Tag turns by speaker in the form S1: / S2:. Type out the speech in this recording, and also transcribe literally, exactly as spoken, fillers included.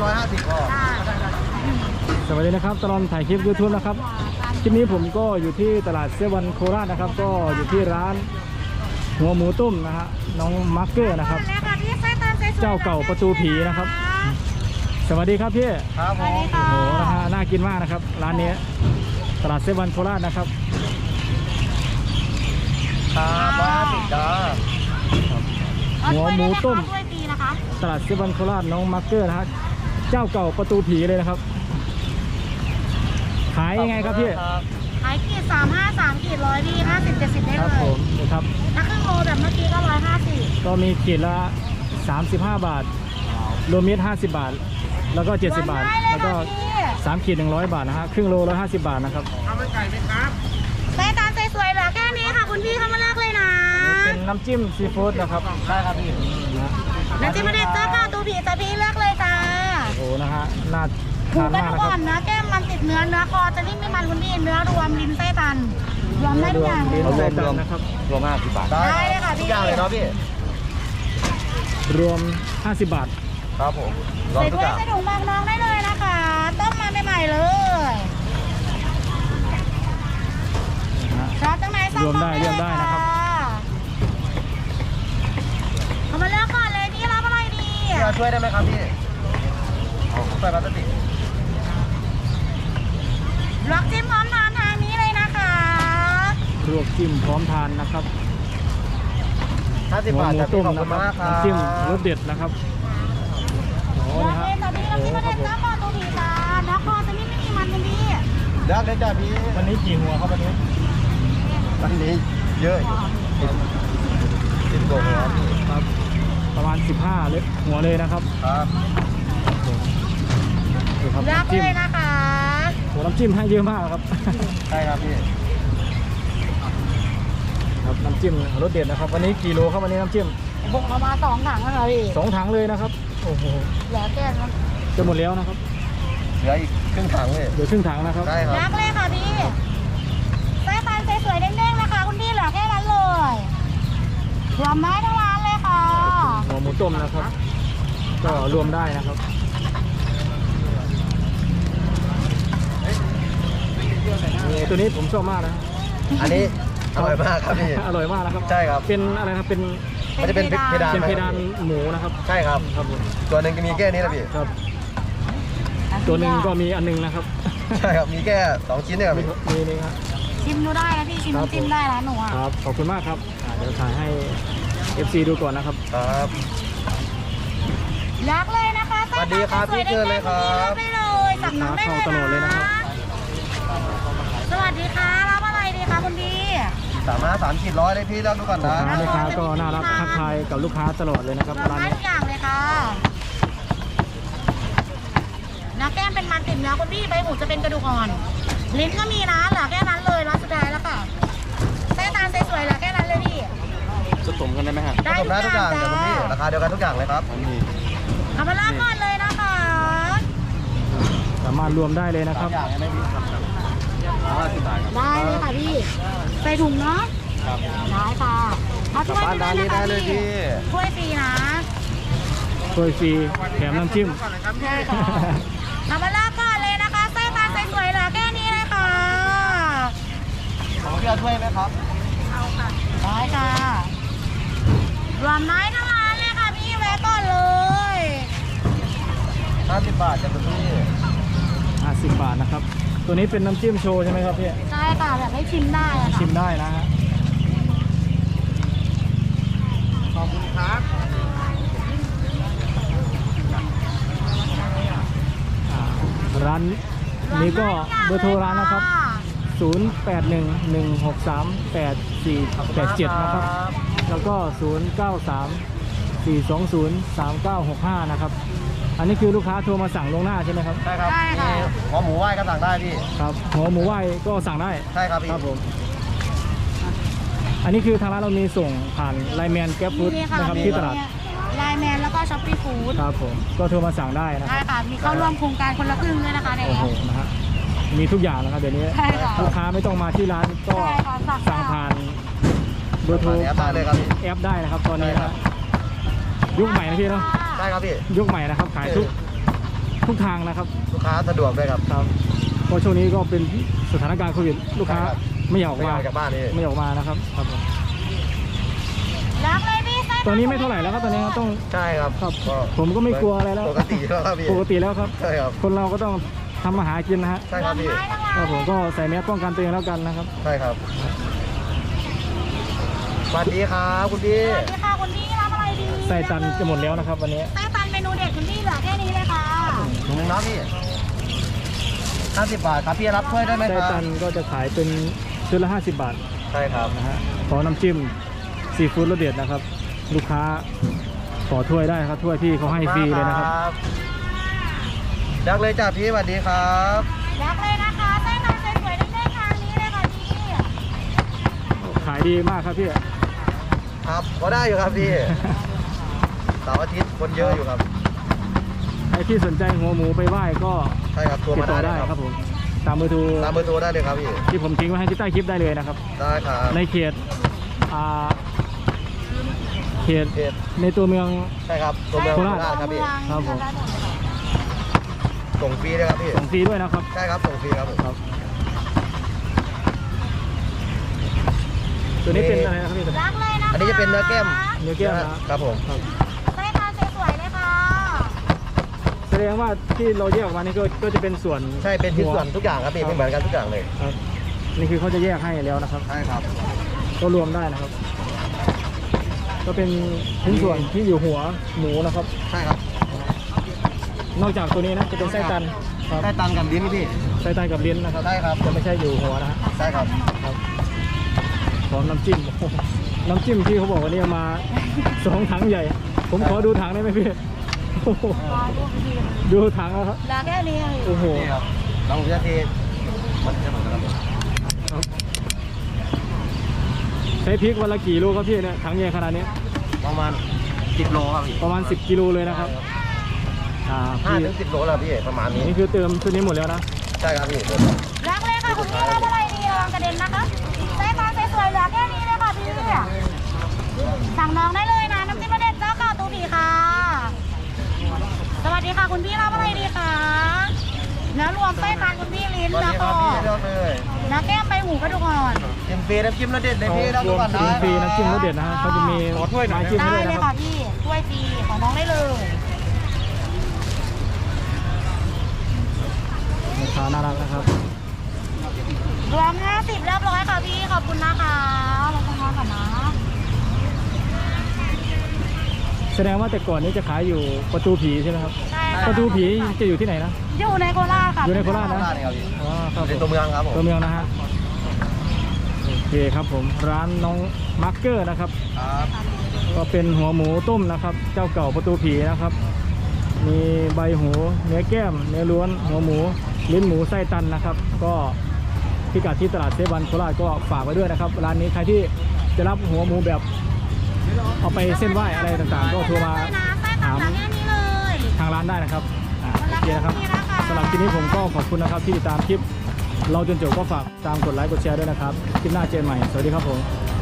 S1: อยห้าสิบก็
S2: สวัสดีนะครับตลอดถ่ายคลิป ยูทูบ นะครับคลิปนี้ผมก็อยู่ที่ตลาดเซเว่นโคราชนะครับก็อยู่ที่ร้านหัวหมูต้มนะฮะน้องมาร์เกอร์นะครับเจ้าเก่าประตูผีนะครับสวัสดีครับพี่
S1: ครับผม
S2: โอ้โหนะฮะน่ากินมากนะครับร้านนี้ตลาดเซเว่นโคราชนะครับ
S1: ครับร้อยห้าสิบจ้า
S2: หัวหมูต้มตลาดเซเว่นโคราชน้องมาร์เกอร์นะฮะเจ้าเก่าประตูผีเลยนะครับขายยังไงครับพี่
S3: ขายขีดสามห้าสามขีดร้อยดีห้าสิบเจ็ดสิบได้เลยครับ
S2: ผมครับ
S3: ถ้าครึ่งโลแบบเมื่อกี้ก็ร้อยห้าสิบ
S2: ก็มีขีดละสามสิบห้าบาทรวมมิตรห้าสิบบาทแล้วก็เจ็ดสิบบาทแล้วก็สามขีดหนึ่งร้อยบาทนะฮะครึ่งโลร้อยห้าสิบบาทนะครับ
S1: เอาไปไก่ไหมครับ
S3: ไส้ตาลสวยๆเหลือแค่นี้ค่ะคุณพี่เข้ามาเลือกเลยนะ
S2: เป็นน้ำจิ้มซีฟู้ดนะครับ
S1: ได้ครับพี่
S3: น้ำจิ้มมะเด็ดเจ้าค่ะตูผีจ้าพี่เลือกเลยจ้า
S2: โอ้นะฮะน่า
S3: หมูกระดูกอ่อนนะแก้มมันติดเนื้อเนื้อคอจะนิ่มไม่มันคุณพี่เนื้อรวมลิ้นไส้ตันรวมได้ทุกอย่าง
S2: เลยรวมรวมนะครับรวมห้าสิบบาท
S3: ได้เลยค่ะพี่
S1: ทุกอย่างเลยเนาะพี่
S2: รวมห้าสิบบาท
S1: ครับผม
S3: ใส่ถ้วยใส่ถุงบางน้องได้เลยนะคะต้มมาใหม่ๆเลยชอบจังไหนสั่ง
S2: รวมได้เลือกได้นะครับ
S3: เอามาเลือกก่อนเลยพี่รับอะไรดี
S1: ช่วยได้ไหมครับพี่ใส่พลาสติก
S3: ลวกจิ้มพร้อมทานทางนี้เลยนะคะ
S2: ลวกจิ้มพร้อมทานนะครับ
S1: ห้าสิบบาทจะต้มนะครับ
S2: น้ำจิ้มรสเด็ดนะครับ
S3: โอ้ยครับน้ำจิ้มมาเด็ดจ้าก่อนตัวผีจ้าน้ำคอจะนิ่มไม่มีมันคุณพี่
S1: เลือกเลยจ้าพี่
S2: วันนี้กี่หัวครับวันนี้
S1: วันนี้เยอะอยู่สิบกว่าหัว
S2: ครับประมาณสิบห้าเลยหัวเลยนะครับ
S1: ครับ
S3: เลือกเลยนะคะ
S2: โหน้ำจิ้มให้เยอะมากครับ
S1: ใช่ครับพี่
S2: ครับน้ำจิ้มรสเด็ดนะครับวันนี้กี่โลครับวันนี้น้ำจิ้ม
S3: บุกมามาสองถังแล้วค่ะพี่
S2: สองถังเลยนะครับโอ้โห
S3: เหลือแค่นั้น
S2: จะหมดแล้วนะครับ
S1: เหลืออีกครึ่งถังเลย
S2: เหลือครึ่งถังนะครับ
S1: ใช่ครับ
S3: เลือกเลยค่ะพี่ไส้ตันสวยๆเด้งๆนะคะคุณพี่เหลือแค่นั้นเลยรวมได้ทั้งร้านเลยค่ะ
S2: หัวหมูต้มนะครับก็รวมได้นะครับตัวนี้ผมชอบมากนะ
S1: อันนี้อร่อยมากครับพี่
S2: อร่อยมากนะครับ
S1: ใช่ครับ
S2: เป็นอะไรครับเป็น
S1: มันจะเป็นเพดาน
S2: เป็นเพดานหมูนะครับ
S1: ใช่ครับครับตัวหนึ่งจะมีแค่นี้นะพี่
S2: ครับตัวหนึ่งก็มีอันนึงนะครับ
S1: ใช่ครับมีแค่สองชิ้นเนี่ยครับ
S2: มีนี่ครับ
S3: ชิมดูได้นะพี่ชิมจิ้มได้ร้านหนูอ่ะ
S2: ครับขอบคุณมากครับเดี๋ยวถ่ายให้ เอฟ ซี ดูก่อนนะครับ
S1: ครับ
S3: รักเลยนะคะ
S1: สวัสดีครับพี่เชิญเลยครับ
S3: ได้เลยสั่งน้ำได้เลยนะสวัสดีค่ะรับอะไรดีคะคุณพี่
S1: สามห้าสามขีดร้อยได้พี่เลือกดูก่อนนะ
S2: ลูกค้าก็น่ารักทักทายกับลูกค้าตลอดเลยนะครับ
S3: ร้านทุกอย่างเลยค่ะน้ำแก้มเป็นมันติ่มนะคุณพี่ใบหมูจะเป็นกระดูกอ่อนลิ้นก็มีนะเหลือแค่นั้นเลยร้านสุดท้ายแล้วค่ะไส้ตาลสวยๆเหลือแค่นั้นเลยพี่
S2: ผสมกันได้ไหมฮะ
S1: ได้ทุกอย่างเลยคุณพี่ราคาเดียวกันทุกอย่างเลยครับ
S3: เอามาลากก่อนเลยนะคะ
S2: สามารถรวมได้เลยนะครับ
S3: ได้เลยค่ะพี่ใส่ถุงเนาะได้ค่ะเอาถ้วยไป
S1: ได้เลยได้เลยพี่
S3: ถ้วยฟรีนะ
S2: ถ้วยฟรีแถมน้ำจิ้ม
S3: ใช่ค่ะเอามาลากก่อนเลยนะคะไส้ตาลสวยๆเหลือแค่นี้เลยค่ะ
S1: ขอเลือกถ้วยไหมครับ
S3: เอาค่ะได้ค่ะรวมไม้ทั้งร้านเลยค่ะพี่แวะก่อนเลย
S1: ห้าสิบบาทจะเป็นพี่
S2: ห้าสิบบาทนะครับตัวนี้เป็นน้ำจิ้มโชว์ใช่ไหมครับพี่
S3: ใช่ค่ะแบบให้ชิมได้ค่ะ
S2: ชิมได้นะฮะ
S1: ขอบคุณครับ
S2: ร้านนี้ก็เบอร์โทรร้านนะครับศูนย์ แปด หนึ่ง หนึ่ง หก สาม แปด สี่ แปด เจ็ดนะครับแล้วก็ศูนย์ เก้า สาม สี่ สอง ศูนย์ สาม เก้า หก ห้านะครับอันนี้คือลูกค้าโทรมาสั่งล่วงหน้าใช่ไหมครับ
S1: ใช่ครับหัวหมูไหว้ก็สั่งได้พี่
S2: ครับหัวหมูไหว้ก็สั่งได้
S1: ใช่ครับพี่
S2: ครับผมอันนี้คือทางร้านเรามีส่งผ่านไลน์แมนแก๊ปฟู้ดนะครับที่ตลาด
S3: ไลน์แมนแล้วก็ช้อปปี้ฟู้ด
S2: ครับผมก็โทรมาสั่งได้นะ
S3: ใช่ค่ะมีเข้าร่วมโครงการคนละครึ่งด้วยนะคะในแอป
S2: นะฮะมีทุกอย่างนะครับเดี๋ยวนี้ลูกค้าไม่ต้องมาที่ร้านก็สั่งผ่านเบอร์โทร
S1: แอปได้เลยครับ
S2: แอปได้นะครับตอนนี้นะยุคใหม่นะพี่เนาะ
S1: ใช่ครับพี่
S2: ยุคใหม่นะครับขายทุกทุกทางนะครับ
S1: ลูกค้าสะดวกด้วยครับ
S2: ครับเพราะช่วงนี้ก็เป็นสถานการณ์โควิดลูกค้า
S1: ใช่ครับ
S2: ไม่อยากออก
S1: ไม่
S2: มา
S1: ออกจากบ้านนี่
S2: ไม่อยากออกมานะครับครับผม
S3: รักเลยพี่ไส้
S2: ตอนนี้ไม่เท่าไหร่แล้วครับตอนนี้ต้อง
S1: ใช่ครับ
S2: ครับ
S1: ก็
S2: ผมก็ไม่กลัวอะไรแล้ว
S1: ปกติแล้วครับพี่
S2: ปกติแล้วครับ
S1: ใช่ครับ
S2: คนเราก็ต้องทำมาหากินนะฮะ
S1: ใช่ครับพี่
S3: ไม้ละ
S2: ครับผม
S3: ลาย
S2: ก็ใส่แมสป้องกันตัวเองแล้วกันนะครับ
S1: ใช่ครับสวัสดีครับคุณพี่
S3: สวัสดีค่ะคุณพี่รับอะไรดี
S2: ใส่ตันจะหมดแล้วนะครับวันนี้
S3: ไส้ตันเมนูเด็ดคุณพี่เหลือแค่นี้เลยค่ะ
S1: ถุงนึงเนาะพี่ห้าสิบบาทครับพี่รับถ้วยได้ไหม
S2: ใส่
S1: ครับ
S2: ตันก็จะขายเป็นชุดละห้าสิบบาท
S1: ใช่ครับ
S2: นะฮะขอน้ำจิ้มซีฟู้ดรสเด็ดนะครับ ลูกค้าขอถ้วยได้ครับถ้วยพี่เขาให้ฟรีเลยนะครับ
S1: ดักเลยจ้าพี่สวัสดีครับ
S3: รักเลยนะคะไส้ตันสวยๆได้ๆทางนี้เลยค่ะพี่
S2: ขายดีมากครับพี่
S1: ครับก็ได้อยู่ครับพี่เสาร์อาทิตย์คนเยอะอยู่ครับ
S2: ใครที่สนใจหัวหมูไปไหว้ก็
S1: ใช่ครับโทร
S2: ติด
S1: มา
S2: ต่อ
S1: ได้
S2: ได้
S1: เลย
S2: ค
S1: ค
S2: รั
S1: รั
S2: บบ ผมตามเบอร์โทร
S1: ตามเบอร์โทรได้เลยครับพี่
S2: ที่ผมทิ้งไว้ให้ที่ใต้คลิปได้เลยนะครับ
S1: ได้ครับ
S2: ในเขตอ่าเขต
S1: เพจ
S2: ในตัวเมือง
S1: ใช่ครับตัวเมือง
S2: โค
S1: โค
S2: ราช
S1: ราชครับพี่
S2: ครับผม
S1: ส่งฟรีเลยครับพี่
S2: ส่งฟรีด้วยนะครับ
S1: ใช่ครับส่งฟรีครับผม
S2: ครับ ตัวนี้เป็นอะไรนะครับพี่
S3: รักเลยนะคะ
S1: อันนี้จะเป็นเนื้อแก้ม
S2: เนื้อแก้มนะ
S1: ครับผม
S2: ครับ
S3: ไส้ตันสวยๆเลยค่ะ
S2: แสดงว่าที่เราแยกออกมานี่ก็ก็จะเป็นส่วน
S1: ใช่เป็นชิ้นส่วนทุกอย่างครับพี่ไม่เหมือนกันทุกอย่างเลย
S2: ครับนี่คือเขาจะแยกให้แล้วนะครับ
S1: ใช่ครับ
S2: ก็รวมได้นะครับ ก็เป็นชิ้นส่วนที่อยู่หัวหมูนะครับ
S1: ใช่ครับ
S2: นอกจากตัวนี้นะจะเป็นไส้ตันครับ
S1: ได้ตังค์กับลิ้นพี่
S2: ไส้ตันกับลิ้นนะครับ
S1: ใช่ครับ
S2: จะไม่ใช่อยู่หัวนะฮะ
S1: ใช่ครับ
S2: ครับพร้อมน้ำจิ้ม โอ้โหน้ำจิ้มที่เขาบอกว่านี่เอามาสองถังใหญ่ ผมขอดูถังได้ไหมพี่โอ้โหดูถังแล้วครับ
S3: รักแค่นี้
S2: โอ้โห
S1: นี่ครับเราจะเทมันจะเหมือนกันครับ
S2: ครับใช้พริกวันละกี่โลครับพี่เนี่ยถังใหญ่ขนาดนี้
S1: ประมาณสิบโลครับพี่
S2: ประมาณสิบกิโลเลยนะครับอ่า
S1: ห้า
S2: พี่
S1: ถึงสิบโลแล้วพี่ประมาณนี้
S2: นี่คือเติมชุดนี้หมดแล้วนะ
S1: ใช่ครับพี่
S3: รักเลยค่ะคุณพี่รับอะไรดีระวังกระเด็นนะคะไส้ตันสวยๆเหลือแค่นี้เลยค่ะพี่สั่งน้องได้เลยนะน้ำจิ้มรสเด็ดเจ้าเก่าตูผีค่ะ สวัสดีค่ะคุณพี่รับอะไรดีคะเนื้อรวมไส้ตันคุณพี่ลิ้น
S1: สวัส
S3: แล้ว
S1: ดีค
S3: ก็
S1: รับพี่เลือกเลย
S3: เนื้อแก้มใบหูกระดูกอ่อน
S1: จิ้มฟรีน้ำจิ้มรสเด็ดเลยพี่เรา
S2: ร
S1: ดู
S2: วม
S1: ก่อน
S2: ถึ
S1: นะ
S2: งฟรีน้ำจิ้มรสเด็ดนะฮะเขาจะมีไม้จิ้มให้
S3: ได้
S2: ด้วย
S3: เลย
S2: นะครับ
S3: ค่ะพี่ช่วยฟรีของน้องได้เลย
S2: ราคาน่ารักนะครับ
S3: รวมห้าสิบเรียบร้อยค่ะพี่ขอบคุณนะคะเราต้องรอก่อนนะ
S2: แสดงว่าแต่ก่อนนี้จะขายอยู่ประตูผีใช่ไหมครับ
S3: ใช่
S2: ประตูผีจะอยู่ที่ไหนนะ
S3: อยู่ในโคราชค่ะ
S2: อยู่ในโคราช
S1: โค
S2: นะ
S1: ราชนี่ครับพี่
S2: อ๋อครับ
S1: ในตัวเมืองครับผม
S2: ตัวเมืองนะฮะโอเคครับผมร้านน้องมาร์เกอร์นะครับ
S1: ครับ
S2: ก็เป็นหัวหมูต้มนะครับ เจ้าเก่าประตูผีนะครับ มีใบหูเนื้อแก้ม เนื้อล้วน หัวหมูลิ้นหมูไส้ตันนะครับ ก็พิกัดที่ตลาดเซวันโคราชก็ฝากไว้ด้วยนะครับร้านนี้ใครที่จะรับหัวหมูแบบเอาไปเส้นไหว้อะไรต่างๆ ก็โทรมาถาม
S3: แค่นี้เลย
S2: ทางร้านได้นะครับอ่าโอเคนะครับสำหรับคลิปนี้ผมก็ขอบคุณนะครับที่ติดตามคลิปเราจนจบก็ฝากตามกดไลค์กดแชร์ด้วยนะครับคลิปหน้าเจอกันใหม่สวัสดีครับผม